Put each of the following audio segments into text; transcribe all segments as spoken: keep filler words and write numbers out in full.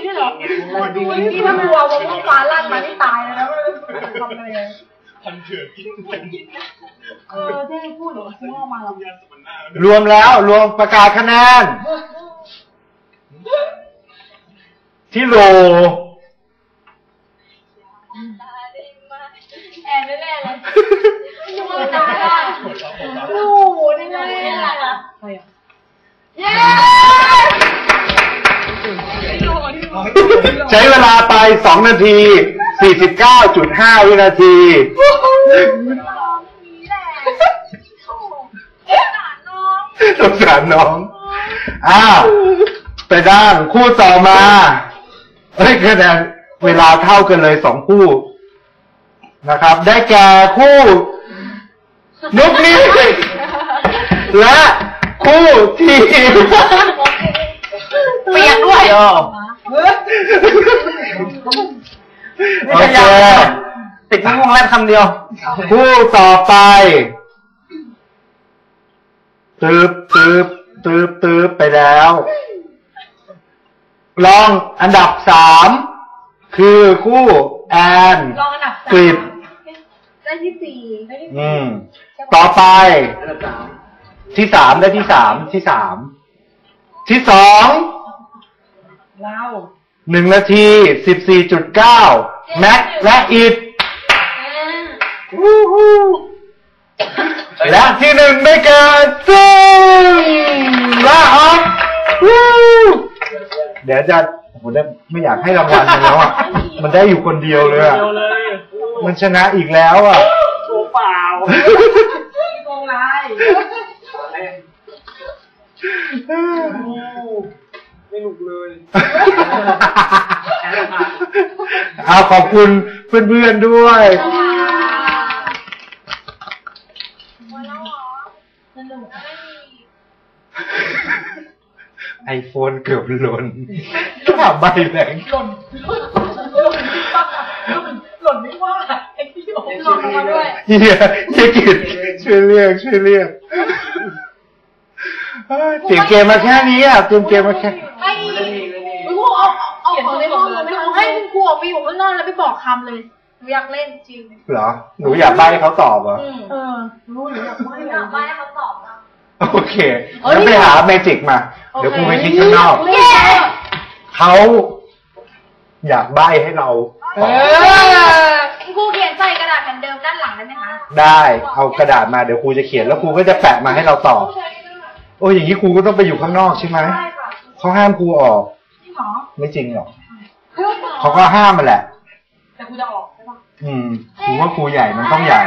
ด้วยเหรอนี่ถ้ามัววงฟ้าลั่นมาที่ตายเลยนะทำอะไรพันเถื่อนกินเออที่พูดหรือพูดออกมาหรอรวมแล้วรวมประกาศคะแนนที่โหลแอนแน่ๆเลยยูมันตายอ่ะโอ้โหนี่ไงอ่ะใครอ่ะเย้ใช้เวลาไปสองนาทีสี่สิบเก้าจุดห้าวินาทีสงสารน้องอ้าวไปด้านคู่ต่อมาเฮ้ยคะแนนเวลาเท่ากันเลยสองคู่นะครับได้แก่คู่นุกนี้และคู่ทีมเปียกด้วยโอเคติดมุ้งวงแรกคำเดียวคู่ต่อไปตืบตืบตืบตืบไปแล้วลองอันดับสามคือคู่แอนกฤษได้ที่สี่อืมต่อไปที่สามได้ที่สามที่สามที่สองเราหนึ่งนาทีสิบสี่จุดเก้าแม็กและอิดและที่หนึ่งไม่เกินซึ่งละออกเดี๋ยวจะผมได้ไม่อยากให้รางวัลมันแล้วอ่ะมันได้อยู่คนเดียวเลยอ่ะมันชนะอีกแล้วอ่ะโชว์เปล่าโกงไรไม่หนุกเลยเอาขอบคุณเพื่อนๆด้วยไอโฟนเกือบหล่นข้าใบแรงหล่นหล่นไม่ว่าไอ้ที่โอ้หล่นมาด้วยเฮียเฮียกิจช่วยเรียกช่วยเรียกเตรียมเกมมาแค่นี้อ่ะเตรียมเกมมาแค่ไอ้คุณครูเอาเอาของในห้องเลยไหมคะให้คุณครูออกไปอยู่ข้างนอกแล้วไปบอกคำเลยหนูอยากเล่นจริงเหรอหนูอยากใบ้เขาตอบเหรอเออรู้หนูอยากใบ้อยากใบ้ให้เขาตอบนะโอเคแล้วไปหาเมจิกมาเดี๋ยวครูไปคิดข้างนอกเขาอยากใบ้ให้เราตอบครูเขียนใส่กระดาษแผ่นเดิมด้านหลังได้ไหมคะได้เอากระดาษมาเดี๋ยวครูจะเขียนแล้วครูก็จะแปะมาให้เราตอบโอ้ยอย่างนี้ครูก็ต้องไปอยู่ข้างนอกใช่ไหมเขาห้ามครูออกไม่จริงหรอกเขาก็ห้ามมันแหละแต่ครูจะออกใช่ปะอืมครูว่าครูใหญ่มันต้องใหญ่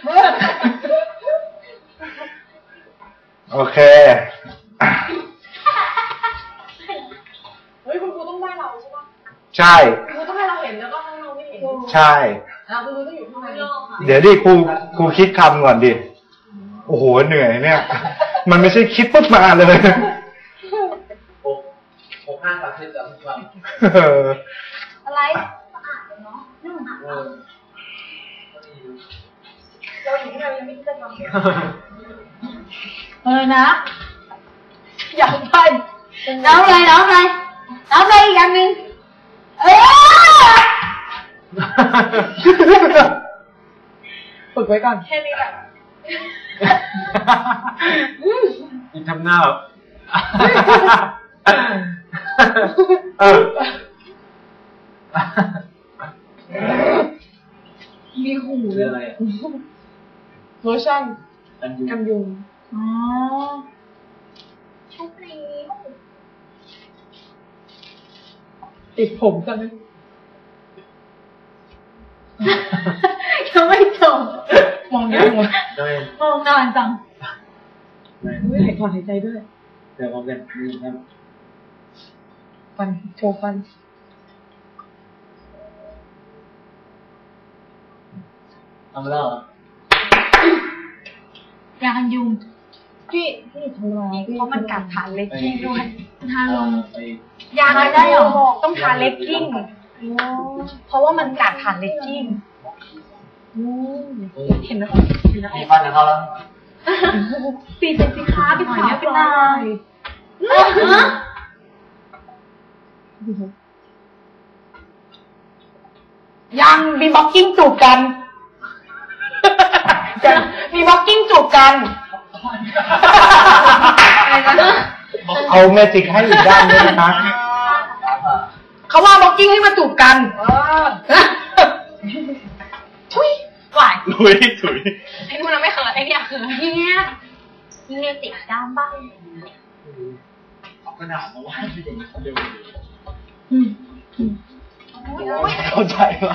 โอเคเฮ้ยคุณครูต้องได้เราใช่ปะใช่ครูต้องให้เราเห็นแล้วก็ให้เราไม่เห็นใช่อ่าคุณครูต้องอยู่ข้างในเดี๋ยวดิครูครูคิดคำก่อนดิโอ้โหเหนื่อยเนี่ยมันไม่ใช่คิดปุ๊บมาเลยโอ้โหห้าตัดเส้นจับทุกวันอะไรสะอาดเนาะเราอยู่ที่ไหนยังไม่ได้ทำเออนะอยากไปน้องเลยน้องเลยน้องเลยอีกอย่างหนึ่งเออฝึกไว้ก่อนแค่นี้แหละอีกทำหน้าแบบเออมีหูเลยอะไรโลชั่นกันยุงอ๋อชุบนี้ติดผมกันไหมยังไม่จบมองยังมองนานจังไม่หายถอนหายใจด้วยเดี๋ยวผมจะนี่ครับฟันโชว์ฟันทำแล้วเหรอยากันยุงพี่พี่ทำอะไรเพราะมันกัดฐานเล็กกิ้งด้วยทาลงยากันได้หรอต้องทาเล็กกิ้งเพราะว่ามันกัดฐานเล็กกิ้งเห็นไหมมีฟันกับเขาแล้วปีเป็นสิค้าไปขายเป็นลายยังมีบ็อกกิ้งจูบกันมีบ็อกกิ้งจูบกันเอาเมจิกให้อีกด้านด้วยนะคะเขาว่าบ็อกกิ้งให้มาจูบกันทุยไหวถุยถุยไอ้นู่นเราไม่เขินไอ้เนี่ยเขินทีเนี้ยมีเนติกด้ามบ้างเอากระดาษมาวาดที่เด็กเร็วเข้าใจป่ะ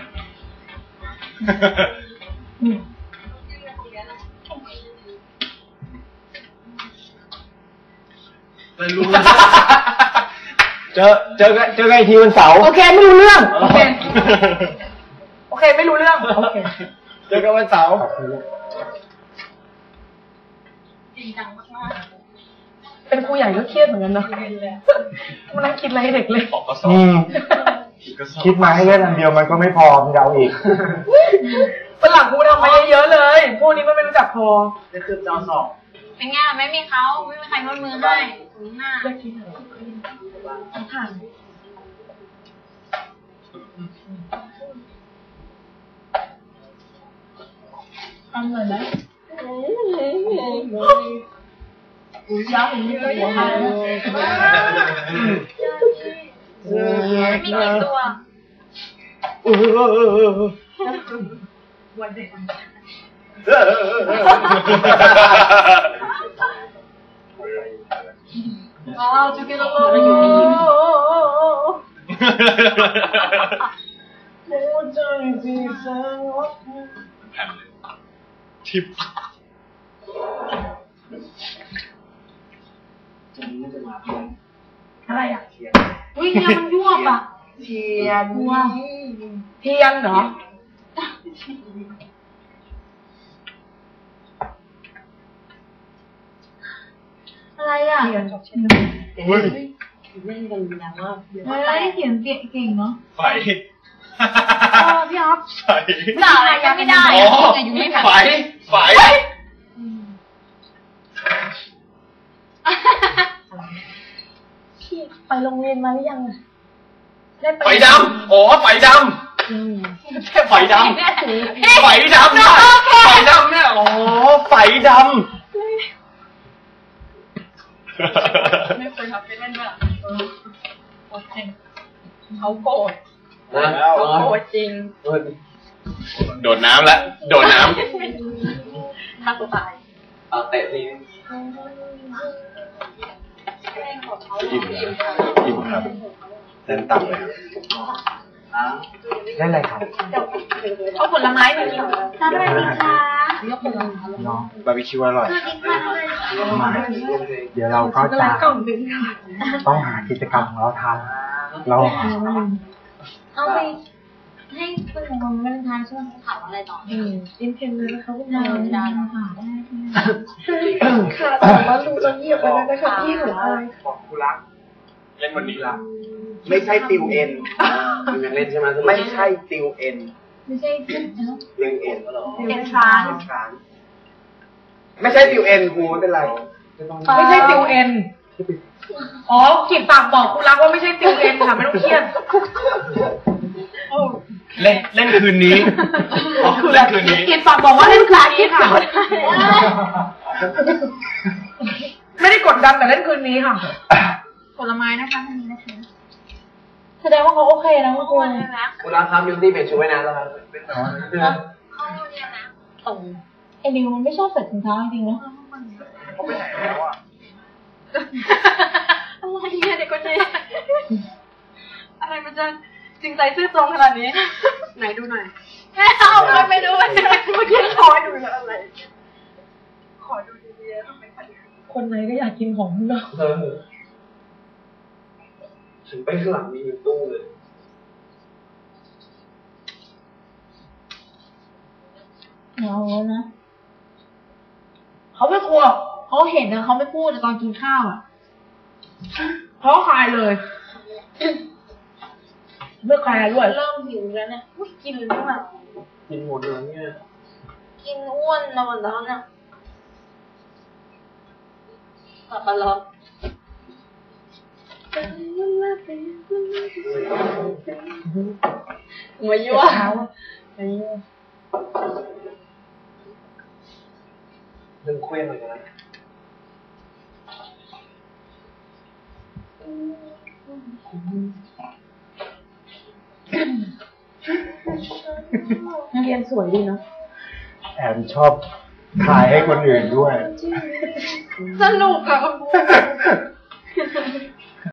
ไม่รู้เจอเจอกันเจอกันอีกทีวันเสาร์โอเคไม่รู้เรื่องโอเคโอเคไม่รู้เรื่องโอเคเจอกันวันเสาร์จริงจังมากๆเป็นครูใหญ่ก็เครียดเหมือนกันเนาะมันนั่งคิดอะไรให้เด็กเลยอืมคิดมาให้เล่นอันเดียวมันก็ไม่พอมันจะเอาอีกเป็นหลังครูทำมาเยอะๆเลยพวกนี้มันไม่รู้จักพอจะคือจอสอบเป็นไงไม่มีเขาไม่มีใครนวดมือให้ถึงหน้าเลิกกินอะไรต้องผ่านทำเลยไหมอุ้ยยาวอย่างนี้เลยไม่มีกี่ตัววันเด็กว้าวจุกิโลโลอยู่นี่ทิปอะไรอ่ะอุ้ยเนี่ยมันยวบอ่ะเทียนว้าเทียนเหรออะไรอ่ะเขียนเฮ้ยเล่นกันแล้วว่าเฮ้ยเขียนเก่งเนาะไฟพี่อ๊อฟไฟด่าอะไรยังไม่ได้ไฟไฟพี่ไปโรงเรียนมาหรือยังไฟดำอ๋อไฟดำไฟดำไฟดำเนี่ยไฟดำเนี่ยอ๋อไฟดำไม่เคยทำไปเล่นด้วยโอเคเขาโกรธเขาโกรธจริงโดดน้ำแล้วโดดน้ำฆ่าตัวตายเอาเตะทีอิ่มอิ่มครับเล่นต่ำเลยเล่นอะไรครับเอาผลไม้มากินทำอะไรดีคะยกผลไม้น้องบาร์บีคิวอร่อยมาเดี๋ยวเราก็จะต้องหากิจกรรมของเราทำเราเอาไปให้เป็นของมันเป็นทานช่วงถามอะไรต่ออืมอินเทนเลยนะคะพวกเราดานค่ะได้ค่ะแต่ว่าลุงจะเงียบไปแล้วนะคะพี่หนูอายบอกกูรักเล่นวันนี้ละไม่ใช่ติวเอ็นยังเล่นใช่ไหมไม่ใช่ติวเอ็นไม่ใช่ติวเอ็นเอ็นเอ็นทรานไม่ใช่ติวเอ็นครูไม่เป็นไรไม่ใช่ติวเอ็นอ๋อขีดปากบอกกูรักว่าไม่ใช่ติวเอ็นค่ะไม่ต้องเครียดเล่นเล่นคืนนี้เล่นคืนนี้ขีดปากบอกว่าเล่นคืนนี้ค่ะไม่ได้กดดันแต่เล่นคืนนี้ค่ะผลไม้นะคะทางนี้นะคะแสดงว่าเขาโอเคนะเมื่อคืนคุณรักครับยูตี้เปลี่ยนชุดไว้นานแล้วครับเขาเนี่ยนะตรงไอ้นิวมันไม่ชอบใส่ถุงเท้าจริงๆเนาะเขาไปไหนแล้วอ่ะอะไรเนี่ยเด็กคนนี้อะไรมันจะจริงใจซื่อตรงขนาดนี้ไหนดูหน่อยเอาไปไปดูไปเมื่อกี้ขอดูแล้วอะไรขอดูดีๆทำไมคนไหนก็อยากกินของเนาะถึงไปข้างหลังมีตู้เลยเอาแล้วนะเขาไม่กลัวเขาเห็นนะเขาไม่พูดแต่ตอนกินข้าวอ่ะเขาคลายเลยเมื่อคลายด้วยเริ่มหิวแล้วเนี่ยกินไม่ไหวกินหมดเลยเนี่ยกินอ้วนนะวันแล้วเนี่ยกลับมาแล้วมายั่วเท้ามายั่วเรื่องเคว้งเลยนะนักเรียนสวยดีเนาะแอนชอบถ่ายให้คนอื่นด้วยสนุกอะ